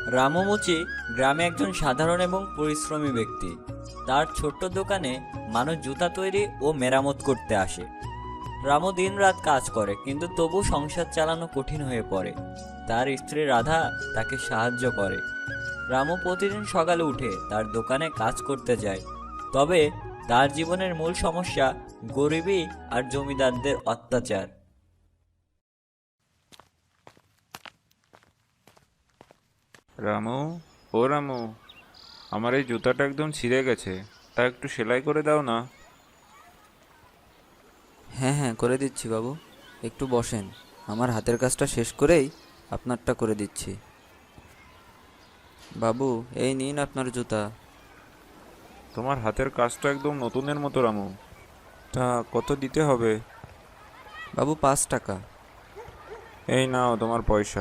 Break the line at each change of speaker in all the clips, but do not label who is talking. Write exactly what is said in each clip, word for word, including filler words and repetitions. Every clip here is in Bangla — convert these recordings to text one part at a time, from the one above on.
রামু মুচি গ্রামে একজন সাধারণ এবং পরিশ্রমী ব্যক্তি। তার ছোট্ট দোকানে মানুষ জুতা তৈরি ও মেরামত করতে আসে। রামু দিনরাত কাজ করে, কিন্তু তবু সংসার চালানো কঠিন হয়ে পড়ে। তার স্ত্রী রাধা তাকে সাহায্য করে। রামু প্রতিদিন সকালে উঠে তার দোকানে কাজ করতে যায়। তবে তার জীবনের মূল সমস্যা গরিবী আর জমিদারদের অত্যাচার।
রামু, ও রামু, আমার এই জুতাটা একদম ছিঁড়ে গেছে, তা একটু সেলাই করে দাও না।
হ্যাঁ হ্যাঁ, করে দিচ্ছি বাবু। একটু বসেন, আমার হাতের কাজটা শেষ করেই আপনারটা করে দিচ্ছি। বাবু, এই নিন আপনার জুতা।
তোমার হাতের কাজটা একদম নতুনের মতো রামু। তা কত দিতে হবে?
বাবু, পাঁচ টাকা।
এই নাও তোমার পয়সা।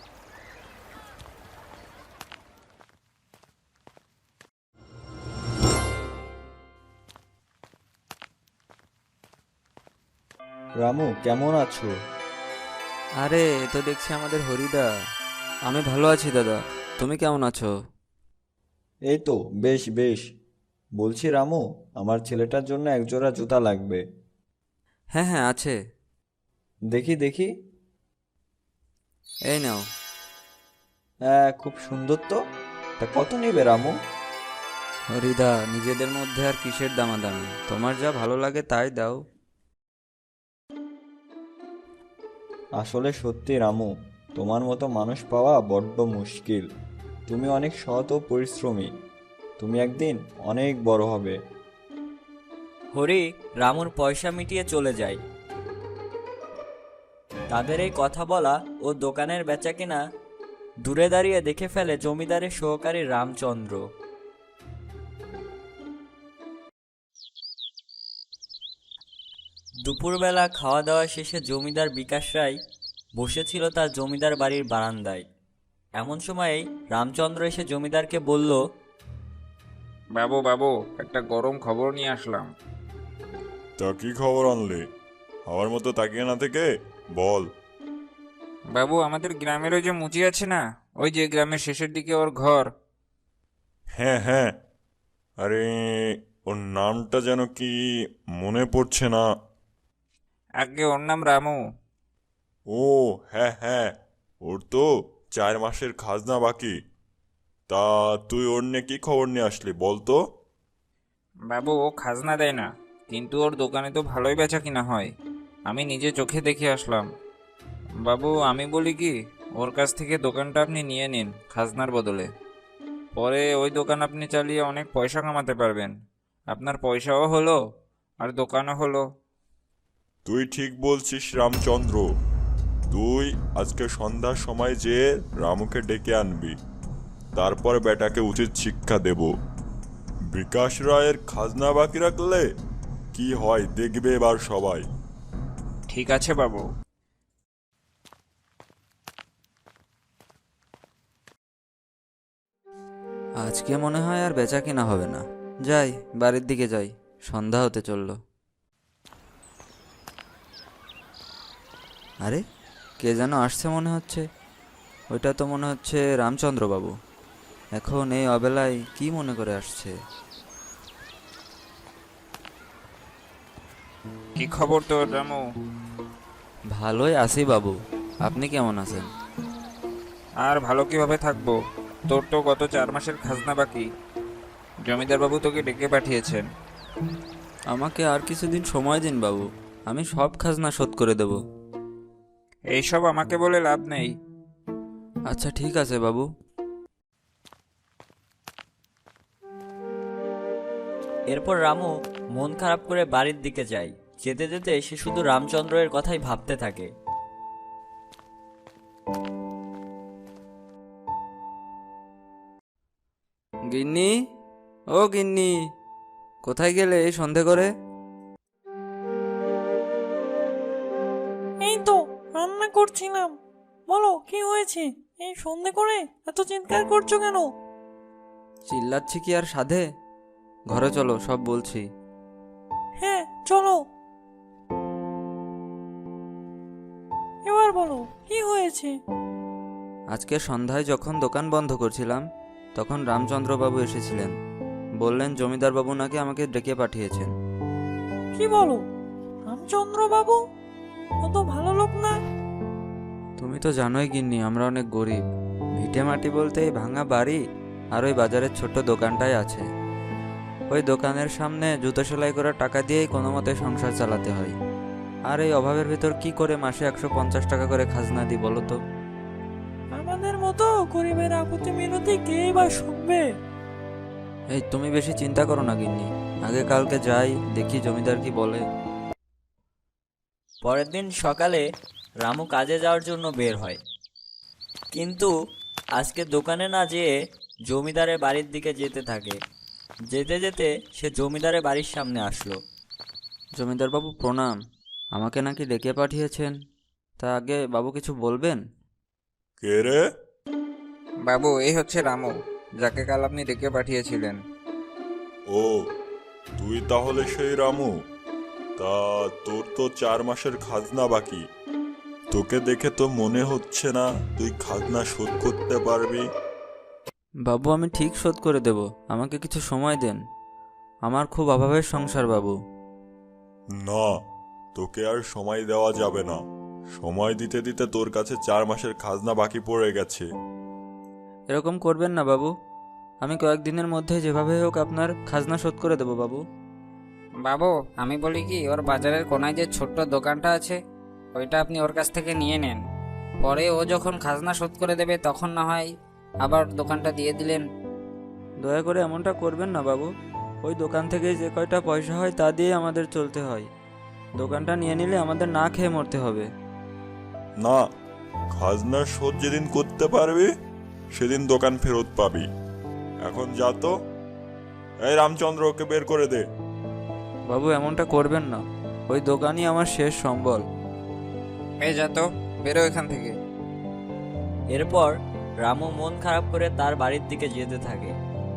রামু, কেমন আছো?
আরে, এ তো দেখছি আমাদের হরিদা। আমি ভালো আছি দাদা, তুমি কেমন আছো?
এই তো বেশ বেশ। বলছি রামু, আমার ছেলেটার জন্য একজোড়া জুতা লাগবে।
হ্যাঁ হ্যাঁ, আছে।
দেখি দেখি।
এই নাও।
হ্যাঁ, খুব সুন্দর তো। তা কত নেবে রামু?
হরিদা, নিজেদের মধ্যে আর কিসের দামাদামি, তোমার যা ভালো লাগে তাই দাও।
আসলে সত্যি রামু, তোমার মতো মানুষ পাওয়া বড্ড মুশকিল। তুমি অনেক সৎ ও পরিশ্রমী। তুমি একদিন অনেক বড় হবে।
হরি রামুর পয়সা মিটিয়ে চলে যায়। তাদের এই কথা বলা ও দোকানের বেচাকেনা দূরে দাঁড়িয়ে দেখে ফেলে জমিদারের সহকারী রামচন্দ্র। দুপুরবেলা খাওয়া দাওয়া শেষে জমিদার বিকাশ রায় বসেছিল তার জমিদার বাড়ির বারান্দায়। এমন সময়েই রামচন্দ্র এসে জমিদারকে বলল,
বাবু বাবু, একটা গরম খবর নিয়ে আসলাম।
তা কি খবর আনলে? আমার মতো তাকিয়ে না থেকে বল।
বাবু, আমাদের গ্রামের ওই যে মুচি আছে না, ওই যে গ্রামের শেষের দিকে ওর ঘর।
হ্যাঁ হ্যাঁ, আরে ওর নামটা যেন কি মনে পড়ছে না।
আগে ওর নাম রামু।
ও হ্যাঁ হ্যাঁ, ওর তো চার মাসের খাজনা বাকি। তা তুই ওর নিয়ে কি খবর নিয়ে আসলি বল তো?
বাবু, ও খাজনা দেয় না, কিন্তু ওর দোকানে তো ভালোই বেচা কিনা হয়। আমি নিজে চোখে দেখে আসলাম। বাবু, আমি বলি কি, ওর কাছ থেকে দোকানটা আপনি নিয়ে নিন খাজনার বদলে। পরে ওই দোকান আপনি চালিয়ে অনেক পয়সা কামাতে পারবেন। আপনার পয়সাও হলো, আর দোকানও হলো।
তুই ঠিক বলছিস রামচন্দ্র। তুই আজকে সন্ধ্যার সময় যেয়ে রামুকে ডেকে আনবি। তারপর বেটাকে উচিত শিক্ষা দেব। বিকাশ রায়ের খাজনা বাকি রাখলে কি হয় দেখবে এবার সবাই।
ঠিক আছে বাবু।
আজকে মনে হয় আর বেচা কিনা হবে না। যাই, বাড়ির দিকে যাই, সন্ধ্যা হতে চললো। আরে, কে যেন আসছে মনে হচ্ছে। ওইটা তো মনে হচ্ছে রামচন্দ্র বাবু। এখন এই অবেলায় কি মনে করে আসছে?
কি খবর তোর রামু?
ভালোই আছি বাবু, আপনি কেমন আছেন?
আর ভালো কিভাবে থাকবো, তোর তো গত চার মাসের খাজনা বাকি। জমিদার বাবু তোকে ডেকে পাঠিয়েছেন।
আমাকে আর কিছুদিন সময় দিন বাবু, আমি সব খাজনা শোধ করে দেব।
এইসব আমাকে বলে লাভ নেই।
আচ্ছা ঠিক আছে বাবু।
এরপর রামু মন খারাপ করে বাড়ির দিকে যায়। যেতে যেতে সে শুধু রামচন্দ্রের কথাই ভাবতে থাকে।
গিন্নি, ও গিন্নি, কোথায় গেলে এই সন্ধে করে?
এই তো রান্না করছিলাম। বলো কি হয়েছে? এই সন্ধে করে এত চিৎকার করছো কেন?
চিল্লাচ্ছি কি আর সাধে? ঘরে চলো, সব বলছি।
হ্যাঁ চলো। এবার বলো কি হয়েছে?
আজকে সন্ধ্যায় যখন দোকান বন্ধ করছিলাম তখন রামচন্দ্রবাবু এসেছিলেন। বললেন জমিদারবাবু নাকি আমাকে ডেকে পাঠিয়েছেন।
কি বলো? রামচন্দ্র বাবু অত ভালো লোক না।
তুমি তো জানোই গিন্নি, আমরা অনেক গরিব। ভিটে মাটি বলতে এই ভাঙা বাড়ি আর ওই বাজারের ছোট্ট দোকানটাই আছে। ওই দোকানের সামনে জুতো সেলাই করা টাকা দিয়েই কোনো মতে সংসার চালাতে হয়। আর এই অভাবের ভিতর কি করে মাসে একশো পঞ্চাশ টাকা করে খাজনা দিই বলো তো?
আমাদের মতো গরিবের আকুতি মিনতি কেই বা শুনবে?
এই তুমি বেশি চিন্তা করো না গিন্নি, আগে কালকে যাই দেখি জমিদার কি বলে।
পরের দিন সকালে রামু কাজে যাওয়ার জন্য বের হয়, কিন্তু আজকে দোকানে না যেয়ে জমিদারের বাড়ির দিকে যেতে থাকে। যেতে যেতে সে জমিদারের বাড়ির সামনে আসলো।
জমিদারবাবু প্রণাম, আমাকে নাকি ডেকে পাঠিয়েছেন, তা আগে বাবু কিছু বলবেন?
কে রে?
বাবু, এই হচ্ছে রামু, যাকে কাল আপনি ডেকে পাঠিয়েছিলেন।
ও, তুই তাহলে সেই রামু? তা তোর তো চার মাসের খাজনা বাকি। তোকে দেখে তো মনে হচ্ছে না তুই খাজনা শোধ করতে পারবি।
বাবু আমি ঠিক শোধ করে দেব, আমাকে কিছু সময় দেন। আমার খুব অভাবের সংসার বাবু।
না, তোকে আর সময় দেওয়া যাবে না। সময় দিতে দিতে তোর কাছে চার মাসের খাজনা বাকি পড়ে গেছে।
এরকম করবেন না বাবু, আমি কয়েকদিনের মধ্যে যেভাবে হোক আপনার খাজনা শোধ করে দেব বাবু।
বাবু, আমি বলি কি, ওর বাজারের কোনায় যে ছোট্ট দোকানটা আছে ওইটা আপনি ওর কাছ থেকে নিয়ে নেন। পরে ও যখন খাজনা শোধ করে দেবে তখন না হয় আবার দোকানটা দিয়ে দিলেন।
দয়া করে এমনটা করবেন না বাবু, ওই দোকান থেকে যে কয়টা পয়সা হয় তা দিয়ে আমাদের চলতে হয়। দোকানটা নিয়ে নিলে আমাদের না খেয়ে মরতে হবে।
না, খাজনা শোধ যেদিন করতে পারবি সেদিন দোকান ফেরত পাবি। এখন যা তো। এই রামচন্দ্র, ওকে বের করে দে।
বাবু এমনটা করবেন না, ওই দোকানই আমার শেষ সম্বল।
এই যা তো, বেরো এখান থেকে।
এরপর রামু মন খারাপ করে তার বাড়ির দিকে যেতে থাকে।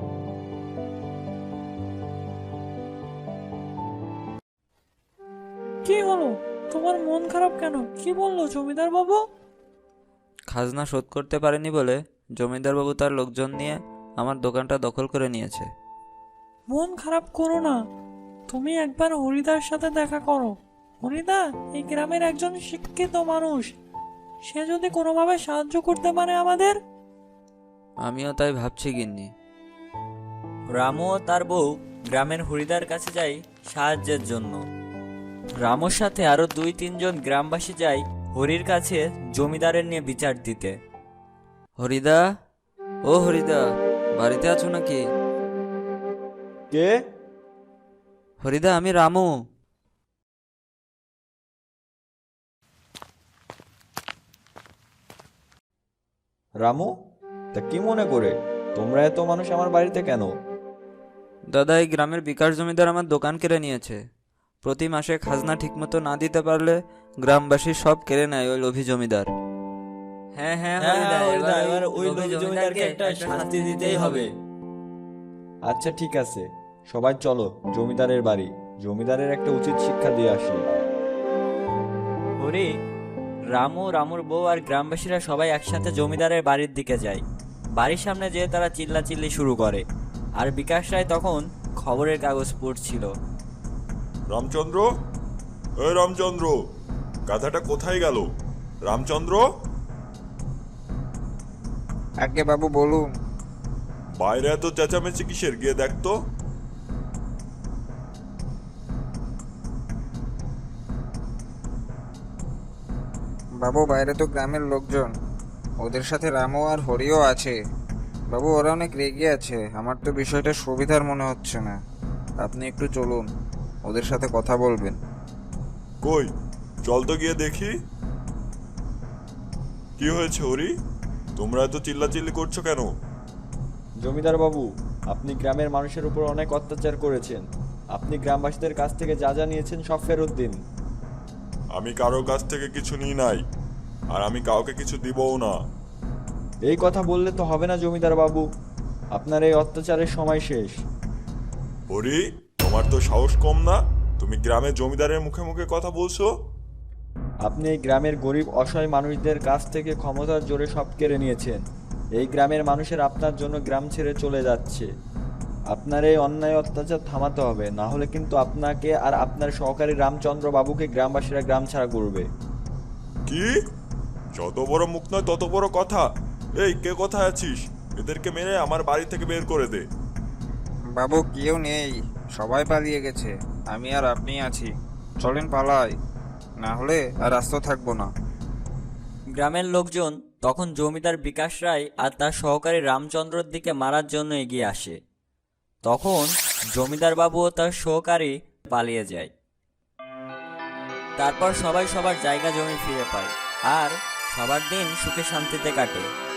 কি হলো? তোমার মন খারাপ কেন? কি বললো জমিদার বাবু?
খাজনা শোধ করতে পারেনি বলে জমিদারবাবু তার লোকজন নিয়ে আমার দোকানটা দখল করে নিয়েছে।
মন খারাপ করো না, তুমি একবার হরিদার সাথে দেখা করো। হরিদা এই গ্রামের একজন শিক্ষিত মানুষ, সে যদি কোনোভাবে সাহায্য করতে পারে আমাদের।
আমিও তাই ভাবছি গিন্নি।
রামু ও তার বউ গ্রামের হরিদার কাছে যায় সাহায্যের জন্য। রামুর সাথে আরো দুই তিনজন গ্রামবাসী যায় হরির কাছে জমিদারের নিয়ে বিচার দিতে।
হরিদা, ও হরিদা, বাড়িতে আছো নাকি?
কে?
হরিদা, আমি রামু।
রামু? তা কি মনে করে তোমরা এত মানুষ আমার বাড়িতে কেন?
দাদা, এই গ্রামের বিকাশ জমিদার আমার দোকান কেড়ে নিয়েছে। প্রতি মাসে খাজনা ঠিকমতো না দিতে পারলে গ্রামবাসী সব কেড়ে নেয় ওই লোভী জমিদার।
হ্যাঁ হ্যাঁ
হ্যাঁ,
হরিদা,
হরিদা,
এবার
এবার
ওই লোভী জমিদারকে একটা শাস্তি দিতেই হবে।
আচ্ছা ঠিক আছে, সবাই চলো জমিদারের বাড়ি, জমিদারের একটা উচিত শিক্ষা দিয়ে আসি।
হরি, রামু, রামুর বউ আর গ্রামবাসীরা সবাই একসাথে জমিদারের বাড়ির দিকে যায়। বাড়ির সামনে যেয়ে তারা চিল্লাচিল্লি শুরু করে, আর বিকাশ রায় তখন খবরের কাগজ পড়ছিল।
রামচন্দ্র, এই রামচন্দ্র, গাধাটা কোথায় গেল? রামচন্দ্র,
আগে বাবু বলুন।
বাইরে এত চেঁচামেচি কিসের? গিয়ে দেখ তো।
বাবু, বাইরে তো গ্রামের লোকজন, ওদের সাথে রামু আর হরিও আছে। বাবু, ওরা অনেক রেগে আছে, আমার তো বিষয়টা সুবিধার মনে হচ্ছে না। আপনি একটু চলুন, ওদের সাথে কথা বলবেন।
কই, চল তো গিয়ে দেখি। কি হয়েছে হরি? তোমরা এত চিল্লাচিল্লি করছো কেন?
জমিদার বাবু, আপনি গ্রামের মানুষের উপর অনেক অত্যাচার করেছেন। আপনি গ্রামবাসীদের কাছ থেকে যা যা নিয়েছেন সব ফেরত দিন।
আমি কারো কাছ থেকে কিছু নিই নাই, আর আমি কাউকে কিছু দিবও না।
এই কথা বললে তো হবে না জমিদার বাবু, আপনার এই অত্যাচারের সময় শেষ।
হরি, তোমার তো সাহস কম না? তুমি গ্রামের জমিদারের মুখে মুখে কথা বলছো?
আপনি এই গ্রামের গরিব অসহায় মানুষদের কাছ থেকে ক্ষমতার জোরে সব কেড়ে নিয়েছেন। এই গ্রামের মানুষের আপনার জন্য গ্রাম ছেড়ে চলে যাচ্ছে। আপনার এই অন্যায় অত্যাচার থামাতে হবে, না হলে কিন্তু আপনাকে আর আপনার সহকারী রামচন্দ্র বাবুকে গ্রামবাসীরা গ্রাম ছাড়া করবে।
কি? যত বড় মুখ নয় তত বড় কথা। এই, কে কোথায় আছিস? এদেরকে মেরে আমার বাড়ি থেকে বের করে দে।
বাবু কেউ নেই, সবাই পালিয়ে গেছে। আমি আর আপনি আছি, চলেন পালাই, না হলে আর আস্ত থাকবো না।
গ্রামের লোকজন তখন জমিদার বিকাশ রায় আর তার সহকারী রামচন্দ্রর দিকে মারার জন্য এগিয়ে আসে। তখন জমিদার বাবু ও তার সহকারী পালিয়ে যায়। তারপর সবাই সবার জায়গা জমি ফিরে পায় আর সবার দিন সুখে শান্তিতে কাটে।